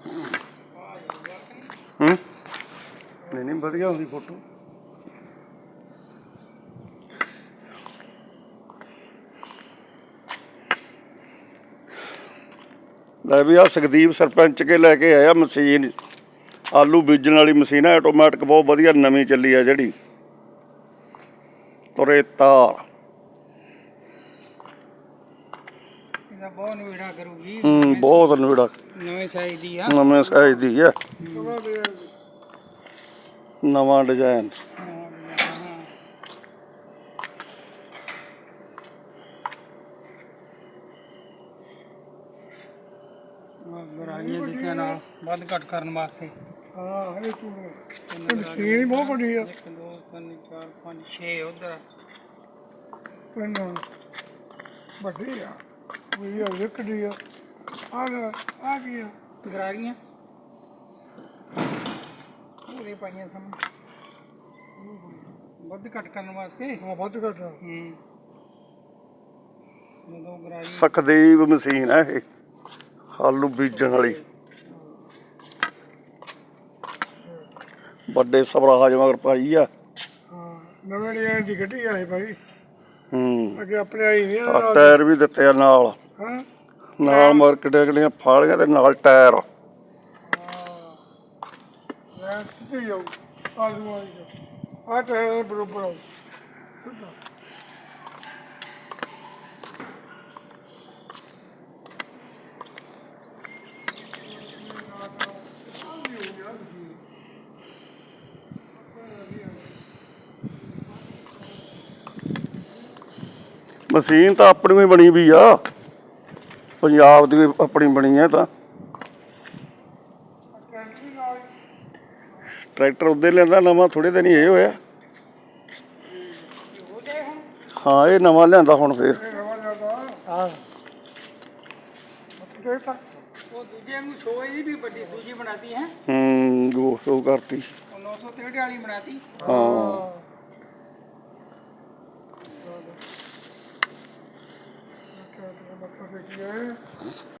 नहीं नहीं बढ़िया होगी फोटो। लै भी आ सुखदीप सरपंच के लैके आया मशीन आलू बीजन वाली मशीन है ऑटोमैटिक बहुत बढ़िया नवीं चली है जी तुरे तार बहुत नवेड़ा करूगी बहुत नवेड़ा नवे साइज दी है नवे साइज दी है नवा डिजाइन ਗਰਾਰੀਆਂ ਦਿੱਤੀਆਂ ਨਾਲ ਵੱਧ ਘੱਟ ਕਰਨ ਵਾਸਤੇ। ਹਾਂ ਇਹ ਮਸ਼ੀਨ ਹੀ ਬਹੁਤ ਵੱਡੀ ਆ। 1 2 3 4 5 6 ਉਧਰ ਪਿੰਡ ਵੱਡੀ ਆ ਵੀ ਆ ਵਿਕੜੀ ਆ ਆ ਕੀ ਆ ਗਰਾਰੀਆਂ ਪੂਰੇ ਪਾਈਆਂ ਸਾਹਮਣੇ ਵੱਧ ਘੱਟ ਕਰਨ ਵਾਸਤੇ। ਹਾਂ ਵੱਧ ਘੱਟ ਜਦੋਂ ਗਰਾਰੀ ਸੁਖਦੀਪ ਮਸ਼ੀਨ ਹੈ ਇਹ ਆਲੂ ਬੀਜਣ ਵਾਲੀ ਵੱਡੇ ਸਵਰਾਜ ਮਗਰ ਪਾਈ ਆ। ਹਾਂ ਨਵੇਂ ਡਿਜ਼ਾਈਨ ਦੀ ਗੱਡੀ ਆ ਇਹ ਭਾਈ। ਹੂੰ ਅੱਗੇ ਆਪਣੇ ਆਈ ਨਹੀਂ ਟਾਇਰ ਵੀ ਦਿੱਤੇ ਆ ਨਾਲ ਹਾਂ ਨਾਲ ਮਾਰਕੀਟ ਵਾਲੀਆਂ ਫਾਲੀਆਂ ਤੇ ਨਾਲ ਟਾਇਰ ਮੈਂ ਸਿੱਧੀ ਜਾਊ ਆਲੂ ਵਾਲੀ ਆ ਟਾਇਰ ਬਰੋਬਰ ਆਉ ਸਿੱਧਾ। ਮਸ਼ੀਨ ਤਾਂ ਆਪਣੀ ਵੀ ਬਣੀ ਵੀ ਆ ਪੰਜਾਬ ਦੀ ਵੀ ਆਪਣੀ ਬਣੀ ਹੈ ਤਾਂ ਟਰੈਕਟਰ ਉਹਦੇ ਲਿਆਂਦਾ ਨਵਾਂ ਥੋੜੇ ਦਿਨ ਹੀ ਇਹ ਹੋਇਆ। ਹਾਂ ਇਹ ਨਵਾਂ ਲਿਆਂਦਾ ਹੁਣ ਫੇਰ ਹਾਂ ਉਹ ਦੂਜੇ ਨੂੰ ਸ਼ੋਅ ਦੀ ਵੀ ਵੱਡੀ ਦੂਜੀ ਬਣਾਤੀ ਹੈ। ਗੋ ਸ਼ੋ ਕਰਤੀ 963 ਵਾਲੀ ਬਣਾਤੀ। ਹਾਂ ਮੱਥਾ ਟੇਕਿਆ